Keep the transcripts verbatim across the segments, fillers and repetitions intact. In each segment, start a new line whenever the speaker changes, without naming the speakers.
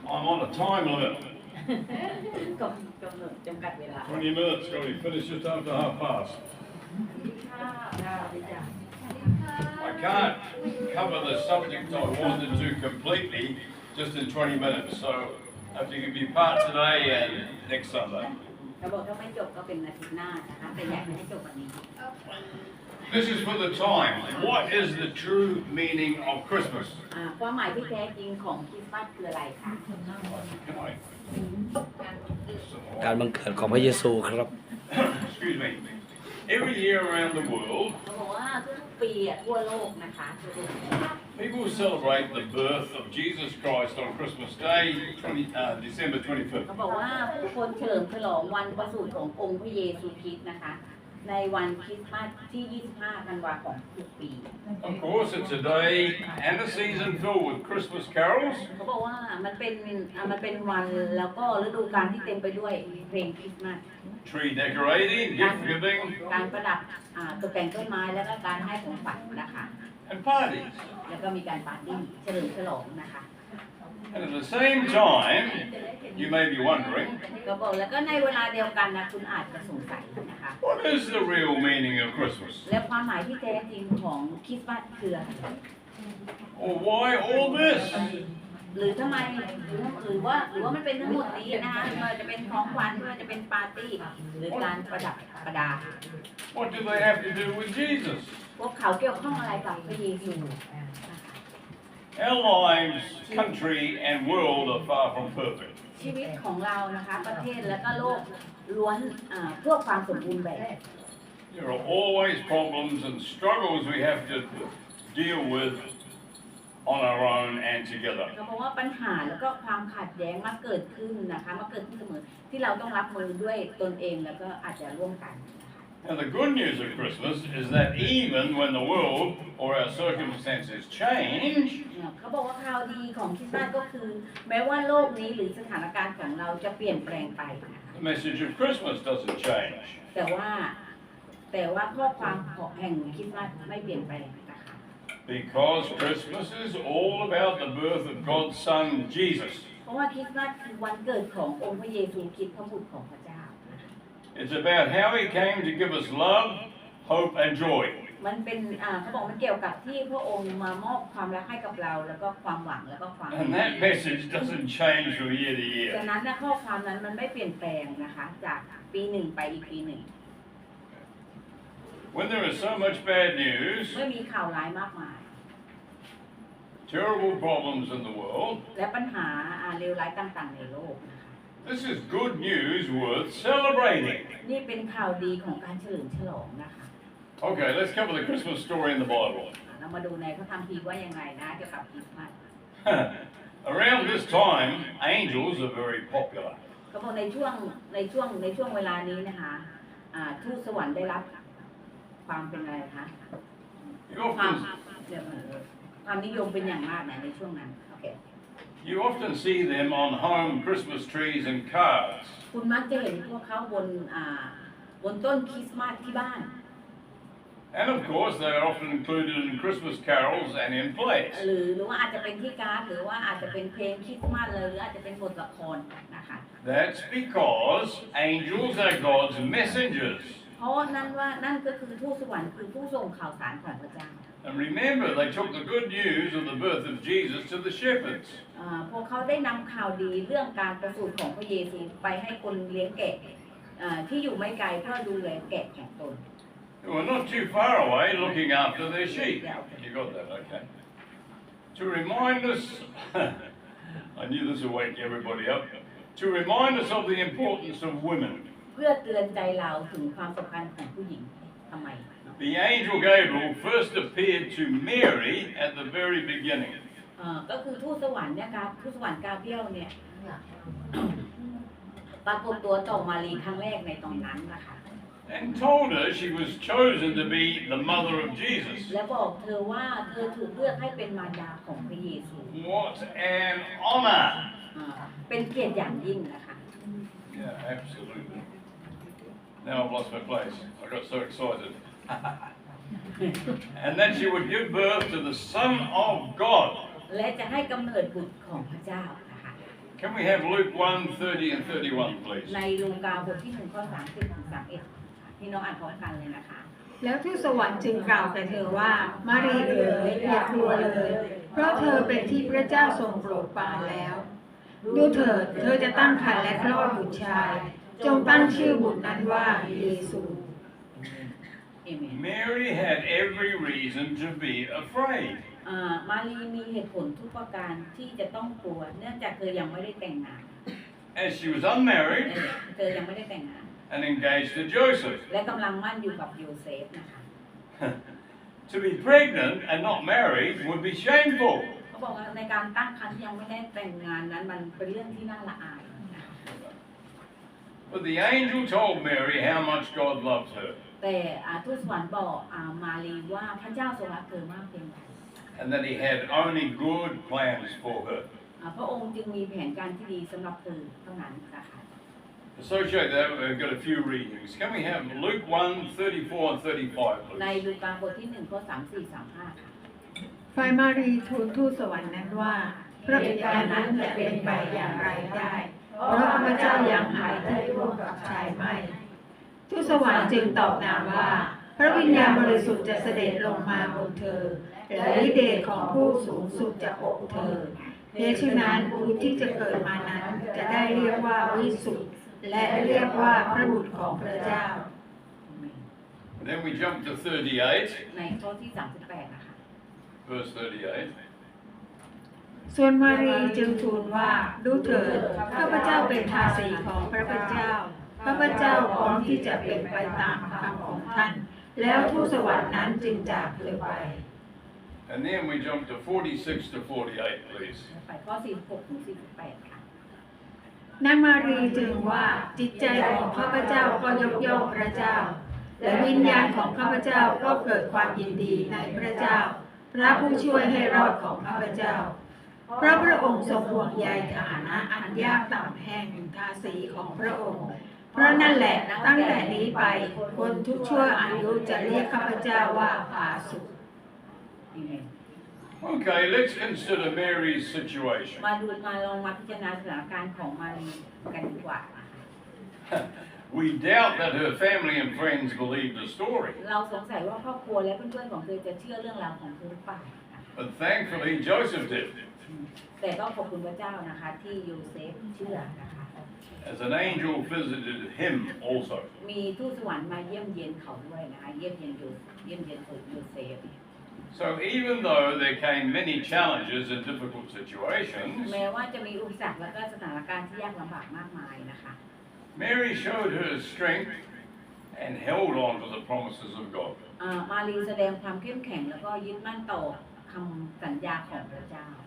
I'm on a time limit.
กำกำหนดจำกัดเวลา
twenty minutes, got to be finished just after half past.
ค่ะ
I can't cover the subject I wanted to completely just in twenty minutes, so I have to give you part today and next Sunday.
เขาบอกถ้าไม่จบก็เป็นอาทิตย์หน้านะคะแต่อยากให้จบวันนี้
This is for the time. What is the true meaning of Christmas?
อ่าความหมายที่แท้จริงของคริสต์มาสคืออะไรคะ
Can I?
การบังเกิดของพระเยซูครับ
Excuse me. Every year around the world,
เขาบอกว่าทุกๆปีอะทั่วโลกนะคะทั่วโลก
people celebrate the birth of Jesus Christ on Christmas Day, twenty, uh, December
เขา
twenty-fifth.
บอกว่าผู้คนเฉลิมฉลองวันประสูติขององค์พระเยซูคริสต์นะคะในวันคริสต์มาสที่ ยี่สิบห้า ธันวาคมทุกปี
Of course, it's a day and a season filled with Christmas carols,
เขาบอกว่ามันเป็นอ่ามันเป็นวันแล้วก็ฤดูกาลที่เต็มไปด้วยเพลงคริสต์มาส
tree decorating, gift giving,
การประดับอ่าตกแต่งต้นไม้แล้วก็การให้ของขวัญนะคะ
and parties.
แล้วก็มีการปาร์ตี้เฉลิมฉลองนะคะ
And at the same time, you may be wondering,
ก็บอกแล้วก็ในเวลาเดียวกันนะคุณอาจจะสงสัยนะคะ
what is the real meaning of Christmas?
และความหมายที่แท้จริงของคริสต์มาสคืออะไร
Or why all this?
หรือทำไมหรือหรือว่าหรือว่ามันเป็นทั้งหมดนี้นะคะไม่ว่าจะเป็นของขวัญไม่ว่าจะเป็นปาร์ตี้หรือการประดับประดา
What do they have to do with Jesus?
พวกเขาเกี่ยวข้องอะไรกับพระเยซู
Our lives, country, and world are far from perfect.
ชีวิตของเรานะคะประเทศและก็โลกล้วนอ่าเพื่อความสมบูรณ์แบบ
There are always problems and struggles we have to deal with on our own and together.
เพราะว่าปัญหาแล้วก็ความขัดแย้งมาเกิดขึ้นนะคะมาเกิดขึ้นเสมอที่เราต้องรับมือด้วยตนเองแล้วก็อาจจะร่วมกัน
And the good news of Christmas is that even when the world or our circumstances change,
เขาบอกว่าข่าวดีของคริสต์มาสก็คือ แม้ว่าโลกนี้หรือสถานการณ์ของเราจะเปลี่ยนแปลงไปนะคะ
the message of Christmas doesn't change.
แต่ว่าแต่ว่าข้อความของแห่งคริสต์มาสไม่เปลี่ยนแปลงนะคะ
Because Christmas is all about the birth of God's Son, Jesus.
เพราะว่าคริสต์มาสคือวันเกิดขององค์พระเยซูคริสต์พระบุตรของพระเจ้า
It's about how He came to give us love, hope, and joy.
มันเป็นอ่าเขาบอกมันเกี่ยวกับที่พระองค์มามอบความรักให้กับเราแล้วก็ความหวังแล้วก็ความ
And that message doesn't change from year to
ดัง
year.
นั้นนะข้อความนั้นมันไม่เปลี่ยนแปลงนะคะ จากปีหนึ่งไปอีกปีหนึ่ง
When there is so much bad news,
เมื่อมีข่าวร้ายมากมาย
terrible problems in the world,
และปัญหาอ่าเลวร้ายต่างๆในโลกนะคะ
this is good news worth celebrating.
นี่เป็นข่าวดีของการเฉลิมฉลองนะคะ
Okay, let's cover the Christmas story in the Bible.
เรามาดูในพระคัมภีร์ว่ายังไงนะเกี่ยวกับคริสต์มาส
Around this time, angels are very popular.
เขาบอกในช่วงในช่วงในช่วงเวลานี้นะคะอ่าทูตสวรรค์ได้รับความเป็นอะไรคะ
You
ความ
often,
เดี๋ยวเออความนิยมเป็นอย่างมากนะในช่วงนั้นโอเค
you often see them on home Christmas trees and cards.
คุณมักจะเห็นพวกเขาบนอ่าบนต้นคริสต์มาสที่บ้าน
And of course, they are often included in Christmas carols and in plays.
หรือหรือว่าอาจจะเป็นที่การ์ดหรือว่าอาจจะเป็นเพลงคริสต์มาสเลยหรืออาจจะเป็นบทละครนะคะ
That's because angels are God's messengers.
เพราะนั่นว่านั่นก็คือทูตสวรรค์คือผู้ส่งข่าวสารของพระเจ้า
And remember, they took the good news of the birth of Jesus to the shepherds.
อ่าพวกเขาได้นำข่าวดีเรื่องการประสูติของพระเยซูไปให้คนเลี้ยงแกะอ่าที่อยู่ไม่ไกลเพื่อดูแลแกะของตน
Who are not too far away looking after their sheep. You got that, okay? To remind us, I knew this would wake everybody up, to remind us of the importance of women.
เพื่อเตือนใจเราถึงความสำคัญของผู้หญิงทำไม
The angel Gabriel first appeared to Mary at the very beginning.
อ่าก็คือทูตสวรรค์เนี่ยครับทูตสวรรค์กาเบรียลเนี่ย ปรากฏตัวต่อมารีครั้งแรกในตอนนั้นนะคะ
And told her she was chosen to be the mother of Jesus.
และบอกเธอว่าเธอถูกเลือกให้เป็นมารดาของพระเยซู
What an honor!
อ่าเป็นเกียรติอย่างยิ่งนะคะ
Yeah, absolutely. Now I've lost my place. I got so excited. And that she would give birth to the Son of God.
และจะให้กำเนิดบุตรของพระเจ้านะคะ
Can we have Luke one, thirty and thirty-one, please?
ในลูกาบทที่หนึ่งข้อสามสิบถึงสามเอ็ดพี่น้องอ่านพร้อมกันเลยนะคะ
แล้วทูตสวรรค์จึงกล่าวแก่เธอว่ามารีเอ๋ยอย่ากลัวเลย เพราะเธอเป็นที่พระเจ้าทรงโปรดปรานแล้ว ดูเถิดเธอจะตั้งครรภ์และคลอดบุตรชาย จงตั้งชื่อบุตรนั้นว่าเยซู
Amen
Mary had every reason to be afraid.
อ่ามารีมีเหตุผลทุกประการที่จะต้องกลัวเนื่องจากเธอยังไม่ได้แต่งงาน
As she was unmarried
เธอยังไม่ได้แต่งงาน
and engaged to Joseph.
และกำลังมั่นอยู่กับโยเซฟนะคะ
To be pregnant and not married would be shameful.
เขาบอกว่าในการตั้งครรภ์ที่ยังไม่ได้แต่งงานนั้นมันเป็นเรื่องที่น่าละอายนะคะ
But the angel told Mary how much God loved her
แต่อ่าทูตสวรรค์บอกอ่ามารีว่าพระเจ้าทรงรักเธอมากเพียงใด
and that he had only good plans for her.
อ่าพระองค์จึงมีแผนการที่ดีสำหรับเธอเท่านั้นนะคะ
Associate that, we've got a few readings. Can we have Luke one, thirty-four and thirty-five,
ใน
please?
ลูกาบทที่หนึ่งข้อสามสี่สามห้าค่ะ
ฝ่ายมารีทูลทูตสวรรค์นั้นว่าพระบิดานั้นจะเป็นไปอย่างไรได้ เพราะข้าพเจ้ายังหายที่ร่วมกับชายไม่ทูตสวรรค์จึงตอบนามว่าพระวิญญาณบริสุทธิ์จะเสด็จลงมาบนเธอและฤทธิ์เดชของผู้สูงสุดจะอบเธอเพราะฉะนั้นผู้ที่จะเกิดมานั้นจะได้เรียกว่าวิสุทธิ์และเรียกว่าพระบุตรของพระเจ้า
Then we jump to thirty-eight,
ในข้อที่สามสิบแปดนะคะ
verse thirty-eight.
ส่วนมารีจึงทูลว่าดูเถิดข้าพเจ้าเป็นทาสีของพระพุทธเจ้าข้าพเจ้าพร้อมที่จะเป็นไปตามคำของท่านแล้วทูตสวรรค์นั้นจึงจากเธอไป
And then we jump to forty-six to forty-eight, please.
ไปข้อสี่สิบหกถึงสี่สิบแปดค่ะ
นางมารีจึงว่าจิตใจของข้าพเจ้าก็ยกย่องพระเจ้าและวิญญาณของข้าพเจ้าก็เกิดความยินดีในพระเจ้าพระผู้ช่วยให้รอดของข้าพเจ้าเพราะพระองค์ทรงห่วงใยฐานะอันยากต่ำแห่งทาสีของพระองค์เพราะนั่นแหละตั้งแต่นี้ไปคนทุกชั่วอายุจะเรียกข้าพเจ้าว่าผาสุก
Amen
Okay, let's consider Mary's situation.
มาดูมาลองมาพิจารณาสถานการณ์ของมารีกันดีกว่า
We doubt that her family and friends believed the story,
เราสงสัยว่าครอบครัวและเพื่อนๆของเธอจะเชื่อเรื่องราวของเธอหรือเปล่า
but thankfully Joseph did.
แต่ก็ขอบคุณพระเจ้านะคะที่โยเซฟเชื่อนะคะ
As an angel visited him also.
มีทูตสวรรค์มาเยี่ยมเยียนเขาด้วยนะคะเยี่ยมเยียนโยเยี่ยมเยียนโยเซฟ
So even though there came many challenges and difficult situations,
แม้ว่าจะมีอุปสรรคและก็สถานการณ์ที่ยากลำบากมากมายนะคะ
Mary showed her strength and held on to the promises of God.
อ่ามารีแสดงความเข้มแข็งแล้วก็ยึดมั่นต่อคำสัญญาของพระเจ้า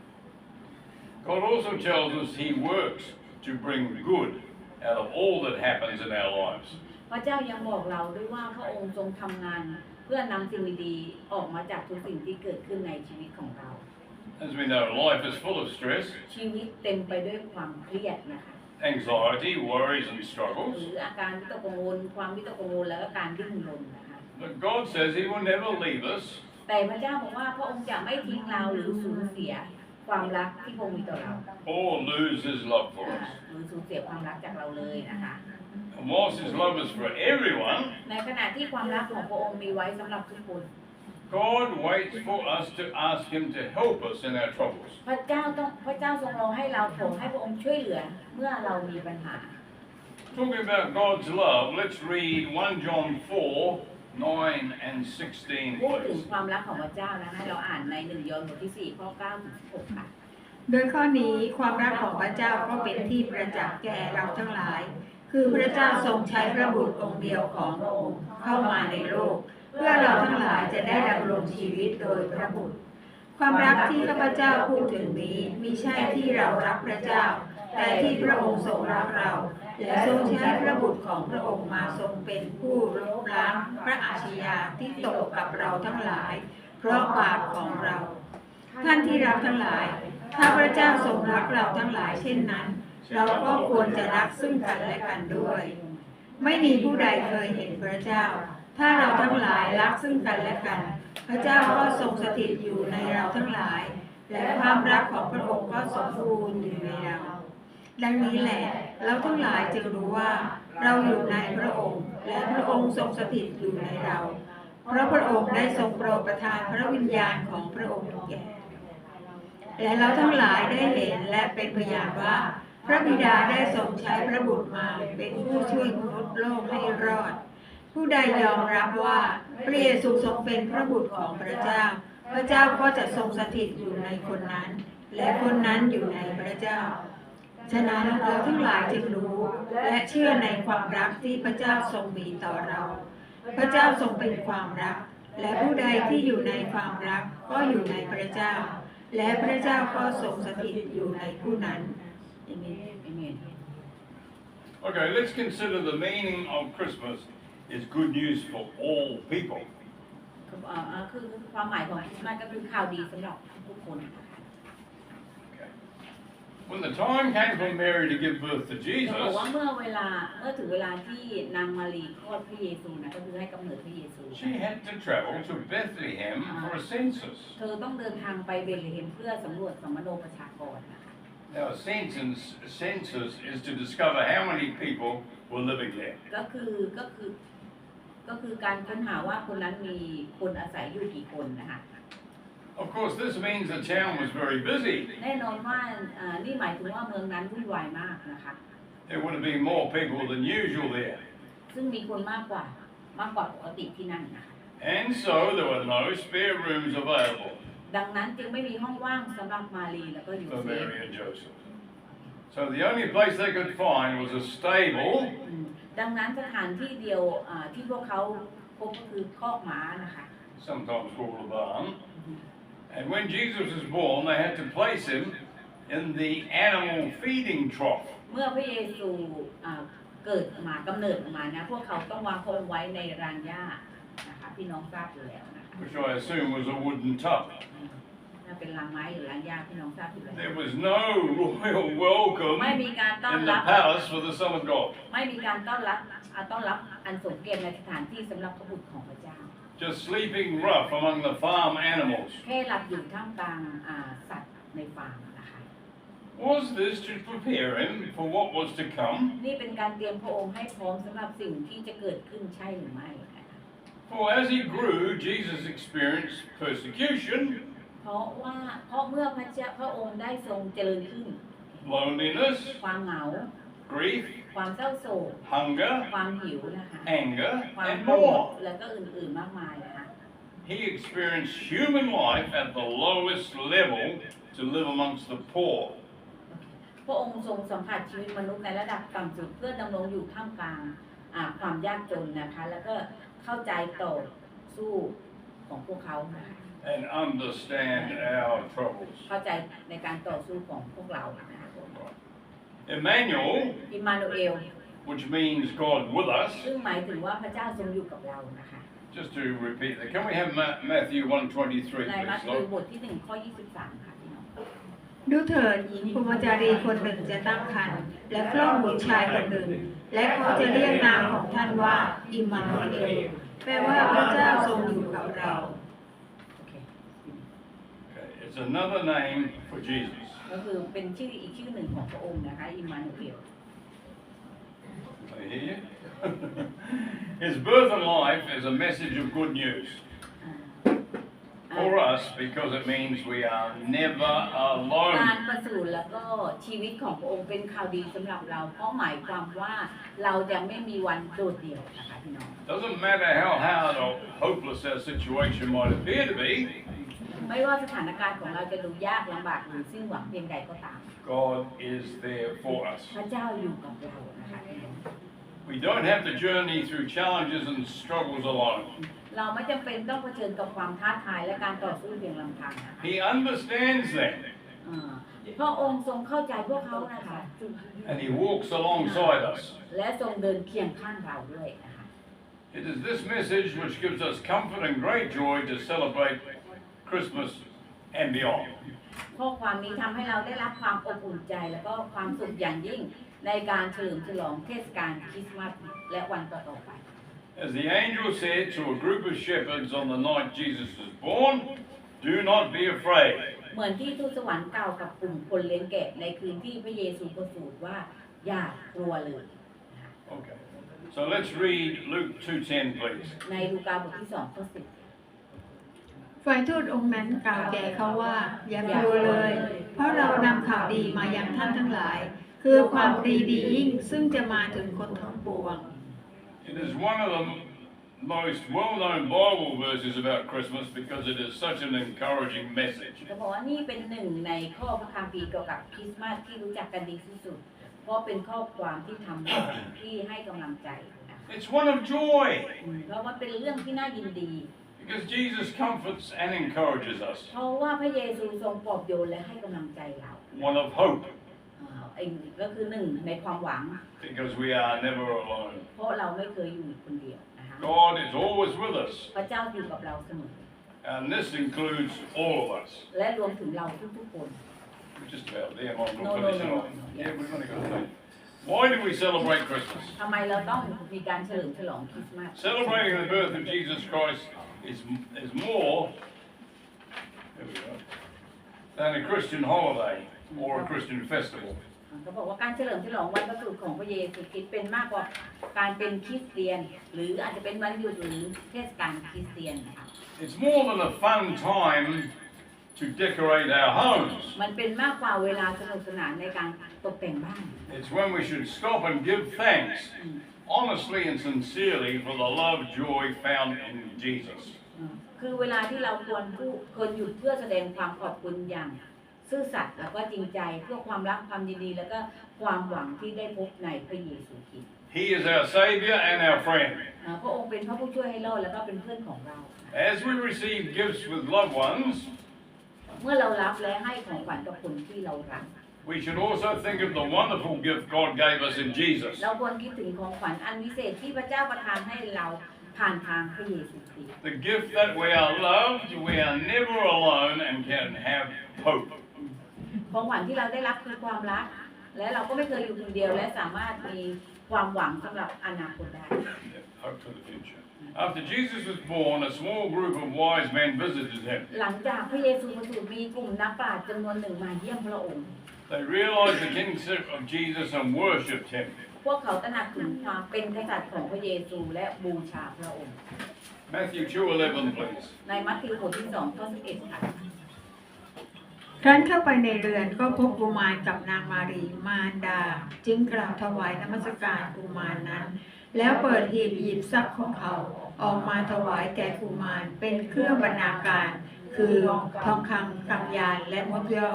God also tells us He works to bring good out of all that happens in our lives.
พระเจ้ายังบอกเราด้วยว่าพระองค์ทรงทำงานเพื่อนำสิ่งดีๆออกมาจากทุกสิ่งที่เกิดขึ้นในชีวิตของเรา
As we know, life is full of stress,
ชีวิตเต็มไปด้วยความเครียดนะคะ
anxiety, worries and
หรื
struggles.
ออาการวิตกกังวลความวิตกกังวลแล้วก็การดิ้นรนนะคะ
But God says He will never leave us
แต่พระเจ้าบอกว่าพระองค์จะไม่ทิ้งเราหรือสูญเสียความรักที่พระองค์มีต่อเรา
or lose His love for
อ่า
us.
หรือสูญเสียความรักจากเราเลยนะคะ
And whilst His love is for everyone,
ในขณะที่ความรักของพระองค์มีไว้สำหรับทุกคน
God waits for us to ask Him to help us in our troubles.
พระเจ้าต้องพระเจ้าทรงรอให้เราขอให้พระองค์ช่วยเหลือเมื่อเรามีปัญหา
Talking about God's love, let's read First John four, nine and sixteen,
พูดถึง
please.
ความรักของพระเจ้านะให้เราอ่านในหนึ่งยอห์นบทที่สี่ข้อเก้าถึงสิบหกค่ะ
โดยข้อนี้ความรักของพระเจ้าก็เป็นที่ประจักษ์แก่เราทั้งหลาย คือพระเจ้าทรงใช้พระบุตรองค์เดียวของพระองค์เข้ามาในโลก เพื่อเราทั้งหลายจะได้ดำรงชีวิตโดยพระบุตร ความรักที่ข้าพเจ้าพูดถึงนี้มิใช่ที่เรารักพระเจ้า แต่ที่พระองค์ทรงรักเรา และทรงใช้พระบุตรของพระองค์มาทรงเป็นผู้ลบล้างพระอาชญาที่ตกกับเราทั้งหลาย เพราะบาปของเรา ท่านที่รักทั้งหลาย ถ้าพระเจ้าทรงรักเราทั้งหลายเช่นนั้น เราก็ควรจะรักซึ่งกันและกันด้วย ไม่มีผู้ใดเคยเห็นพระเจ้า ถ้าเราทั้งหลายรักซึ่งกันและกัน พระเจ้าก็ทรงสถิตอยู่ในเราทั้งหลาย และความรักของพระองค์ก็สมบูรณ์อยู่ในเราดังนี้แหละเราทั้งหลายจึงรู้ว่าเราอยู่ในพระองค์และพระองค์ทรงสถิตอยู่ในเรา เพราะพระองค์ได้ทรงโปรดประทานพระวิญญาณของพระองค์แก่และเราทั้งหลายได้เห็นและเป็นพยานว่า พระบิดาได้ทรงใช้พระบุตรมาเป็นผู้ช่วยมนุษย์โลกให้รอด ผู้ใดยอมรับว่าพระเยซูทรงเป็นพระบุตรของพระเจ้า พระเจ้าก็จะทรงสถิตอยู่ในคนนั้น และคนนั้นอยู่ในพระเจ้า ฉะนั้นเราทั้งหลายจึงรู้และเชื่อในความรักที่พระเจ้าทรงมีต่อเรา พระเจ้าทรงเป็นความรัก และผู้ใดที่อยู่ในความรักก็อยู่ในพระเจ้า และพระเจ้าก็ทรงสถิตอยู่ในผู้นั้น
Amen.
Okay, let's consider the meaning of Christmas is good news for all people.
คือเอ่อคือความหมายของคริสต์มาสก็คือข่าวดีสำหรับทุกคน
Okay. When the time came for Mary to give birth to
เขาบอก
Jesus,
ว่าเมื่อเวลาเมื่อถึงเวลาที่นางมารีคลอดพระเยซูนะก็คือให้กำเนิดพระเยซู
she had to travel to Bethlehem for a census.
เธอต้องเดินทางไปเบธเลเฮมเพื่อสำรวจสมโนประชากรนะคะ
Now, a census, a census is to discover how many people were living there.
ก็คือก็คือก็คือการค้นหาว่าคนนั้นมีคนอาศัยอยู่กี่คนนะคะ
Of course, this means the town was very busy.
แน่นอนว่าอ่านี่หมายถึงว่าเมืองนั้นวุ่นวายมากนะคะ
There would have been more people than usual there.
ซึ่งมีคนมากกว่ามากกว่าปกติที่นั่นนะคะ
And so there were no spare rooms available
ดังนั้นจึงไม่มีห้องว่างสำหรับมารีแล้วก็ยู
for
เซฟ
Mary and Joseph. So the only place they could find was a stable
อืมดังนั้นสถานที่เดียวอ่าที่พวกเขาพบก็คือคอกม้านะคะ
sometimes called a barn. And when Jesus was born, they had to place him in the animal feeding trough.
เมื่อพระเยซูอ่าเกิดมากำเนิดออกมานะพวกเขาต้องวางพระองค์ไว้ในรางหญ้านะคะพี่น้องทราบอยู่แล้วนะคะ
Which I assume was a wooden tub.
ถ้าเป็นรางไม้หรือรางหญ้าพี่น้องทราบอยู่แล้ว
There was no royal welcome
ไม่มีการต้อน
in
รั
the
บ
palace for the Son of God.
ไม่มีการต้อนรับอ่าต้อนรับอันสมเกียรติในสถานที่สำหรับพระบุตรของพระเจ้า
Just sleeping rough among the farm animals.
แค่หลับอยู่ท่ามกลางอ่าสัตว์ในฟาร์มนะคะ
Was this to prepare him for what was to come?
นี่เป็นการเตรียมพระองค์ให้พร้อมสำหรับสิ่งที่จะเกิดขึ้นใช่หรือไม่นะคะ
For as he grew, Jesus experienced persecution,
เพราะว่าเพราะเมื่อพระเจ้าพระองค์ได้ทรงเจริญขึ้น
loneliness,
ความเหงา
grief,
ความเศร้าโศก
hunger,
ความหิวนะคะ
anger,
ความ
and
โกรธ
more.
แล้วก็อื่นๆมากมายนะคะ
He experienced human life at the lowest level to live amongst the poor.
พระองค์ทรงสัมผัสชีวิตมนุษย์ในระดับต่ำสุดเพื่อดำรงอยู่ท่ามกลางอ่าความยากจนนะคะแล้วก็เข้าใจต่อสู้ของพวกเขานะคะ
And understand our troubles.
เข้าใจในการต่อสู้ของพวกเรานะคะ
Emmanuel,
อิมมานูเอล
which means God with us.
ซึ่งหมายถึงว่าพระเจ้าทรงอยู่กับเรานะคะ
Just to repeat that, can we have Ma- Matthew one twenty-three,
ในมัท
please?
ธิว
Lord?
บทที่หนึ่งข้อยี่สิบสามค่ะพี่น้อง
ดูเถิดหญิงพรหมจารีคนหนึ่งจะตั้งครรภ์และคลอดบุตรชายคนหนึ่ง และเขาจะเรียกนามของท่านว่าอิมมานูเอลแปลว่าพระเจ้าทรงอยู่กับเรา
โอเค
Okay, it's another name for Jesus.
ก็คือเป็นชื่ออีกชื่อหนึ่งของพระองค์นะคะอิมมานูเอล
I hear you. His birth and life is a message of good news
อ่า
for us because it means we are never
การ
alone.
ประสูติแล้วก็ชีวิตของพระองค์เป็นข่าวดีสำหรับเราเพราะหมายความว่าเราจะไม่มีวันโดดเดี่ยวนะคะพี่น้อง
Doesn't matter how hard or hopeless our situation might appear to be,
ไม่ว่าสถานการณ์ของเราจะดูยากลำบากหรือสิ้นหวังเพียงใดก็ตาม
God is there for us.
พระเจ้าอยู่กับเรานะคะพี่น้อง
We don't have to journey through challenges and struggles alone.
เราไม่จำเป็นต้องเผชิญกับความท้าทายและการต่อสู้เพียงลำพังนะคะ
He understands them
อ่าพระองค์ทรงเข้าใจพวกเขานะคะ
and He walks alongside us.
และทรงเดินเคียงข้างเราด้วยนะคะ
It is this message which gives us comfort and great joy to celebrate Christmas and beyond.
ข้อความนี้ทำให้เราได้รับความอบอุ่นใจและก็ความสุขอย่างยิ่งในการเฉลิมฉลองเทศกาลคริสต์มาสและวันต่อๆไป
As the angel said to a group of shepherds on the night Jesus was born, do not be afraid.
เหเหมือนที่ทูตสวรรค์กล่าวกับกลุ่มคนเลี้ยงแกะในคืนที่พระเยซูประสูติว่าอย่ากลัวเลย
Okay. So let's read Luke two ten, please.
ในลูกาบทที่สองข้อสิบ
ฝ่ายทูตองค์นั้นกล่าวแก่เขาว่าอย่ากลัวเลย เพราะเรานำข่าวดีมายังท่านทั้งหลาย คือความดีดียิ่งซึ่งจะมาถึงคนทั้งปวง
It is one of the most well-known Bible verses about Christmas because it is such an encouraging message.
จะบอกว่านี่เป็นหนึ่งในข้อพระคัมภีร์เกี่ยวกับคริสต์มาสที่รู้จักกันดีที่สุด เพราะเป็นข้อความที่ทำที่ให้กำลังใจนะคะ
It's one of joy
เพราะมันเป็นเรื่องที่น่ายินดี
because Jesus comforts and encourages us.
เพราะว่าพระเยซูทรงปลอบโยนและให้กำลังใจเรา
One of hope
อ่าไอ้ก็คือหนึ่งในความหวัง
because we are never alone.
เพราะเราไม่เคยอยู่คนเดียวนะคะ
God is always with us,
พระเจ้าอยู่กับเราเสมอ
and this includes all of us.
และรวมถึงเราทุกๆคน
We're just about there, Mom.
No,
We'll
no,
finish it
no,
off.
no,
Yeah,
yeah.
we're going to go there. Why do we celebrate Christmas?
ทำไมเราต้องมีการเฉลิมฉลองคริสต์มาส
Celebrating the birth of Jesus Christ is, is more there we go, than a Christian holiday or a Christian festival.
เขาบอกว่าการเฉลิมฉลองวันประสูติของพระเยซูคริสต์เป็นมากกว่าการเป็นคริสเตียน หรืออาจจะเป็นวันหยุดหรือเทศกาลคริสเตียนนะคะ
It's more than a fun time to decorate our homes.
มันเป็นมากกว่าเวลาสนุกสนานในการตกแต่งบ้าน
It's when we should stop and give thanks, honestly and sincerely, for the love, joy found in Jesus.
คือเวลาที่เราควรผู้ควรหยุดเพื่อแสดงความขอบคุณอย่างซื่อสัตย์แล้วก็จริงใจเพื่อความรักความยินดีแล้วก็ความหวังที่ได้พบในพระเยซูคริสต์
He is our Savior and our friend.
อ่าพระองค์เป็นพระผู้ช่วยให้รอดแล้วก็เป็นเพื่อนของเรา
As we receive gifts with loved ones,
เมื่อเรารับและให้ของขวัญกับคนที่เรารัก
we should also think of the wonderful gift God gave us in Jesus.
เราควรคิดถึงของขวัญอันวิเศษที่พระเจ้าประทานให้เราผ่านทางพระเยซูคริสต์
The gift that we are loved, we are never alone, and can have hope.
ของขวัญที่เราได้รับคือความรัก และเราก็ไม่เคยอยู่คนเดียวและสามารถมีความหวังสำหรับอนาคตได้
Hope for the future. After Jesus was born, a small group of wise men visited him.
หลังจากพระเยซูประสูติมีกลุ่มนักปราชญ์จำนวนหนึ่งมาเยี่ยมพระองค์
They realized the kingship of Jesus and worshipped him.
พวกเขาตระหนักถึงความเป็นกษัตริย์ของพระเยซูและบูชาพระองค์
Matthew two eleven, please.
ในมัทธิวบทที่สองข้อสิบเอ็ดค่ะ
ครั้นเข้าไปในเรือนก็พบกุมารกับนางมารีมารดา จึงกราบถวายนมัสการกุมารนั้น แล้วเปิดหีบหยิบทรัพย์ของเขาออกมาถวายแก่กุมารเป็นเครื่องบรรณาการ คือทองคำกำยานและมดยอก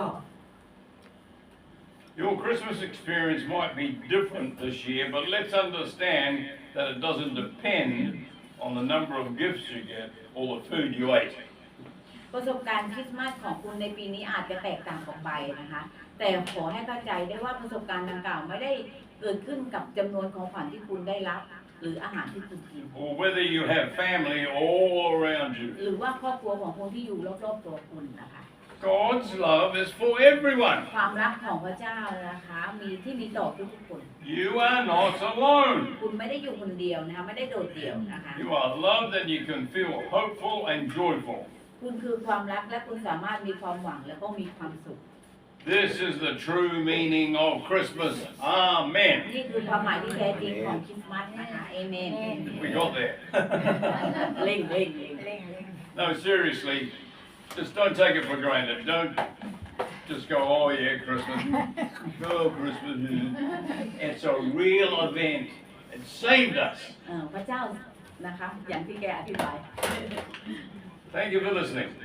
Your Christmas experience might be different this year, but let's understand that it doesn't depend on the number of gifts you get or the food you ate.
ประสบการณ์คริสต์มาสของคุณในปีนี้อาจจะแตกต่างออกไปนะคะ แต่ขอให้เข้าใจได้ว่าประสบการณ์ดังกล่าวไม่ได้เกิดขึ้นกับจำนวนของขวัญที่คุณได้รับ หรืออาหารที่คุณกิน
Or whether you have family all around you.
หรือว่าครอบครัวของคนที่อยู่รอบๆตัวคุณนะคะ
God's love is for everyone.
ความรักของพระเจ้านะคะมีที่มีต่อทุกๆคน
You are not alone.
คุณไม่ได้อยู่คนเดียวนะคะไม่ได้โดดเดี่ยวนะคะ
You are loved and you can feel hopeful and joyful.
คุณคือความรักและคุณสามารถมีความหวังและก็มีความสุข
This is the true meaning of Christmas. Amen.
นี่คือความหมายที่แท้จริงของคริสต์มาสนะคะเอเมน
We got there.
เร่งเร่งเร่ง
No, seriously, just don't take it for granted. Don't just go, oh yeah, Christmas. Oh, Christmas. It's a real event. It saved us.
เอ่อพระเจ้านะคะอย่างที่แกอธิบาย
Thank you for listening.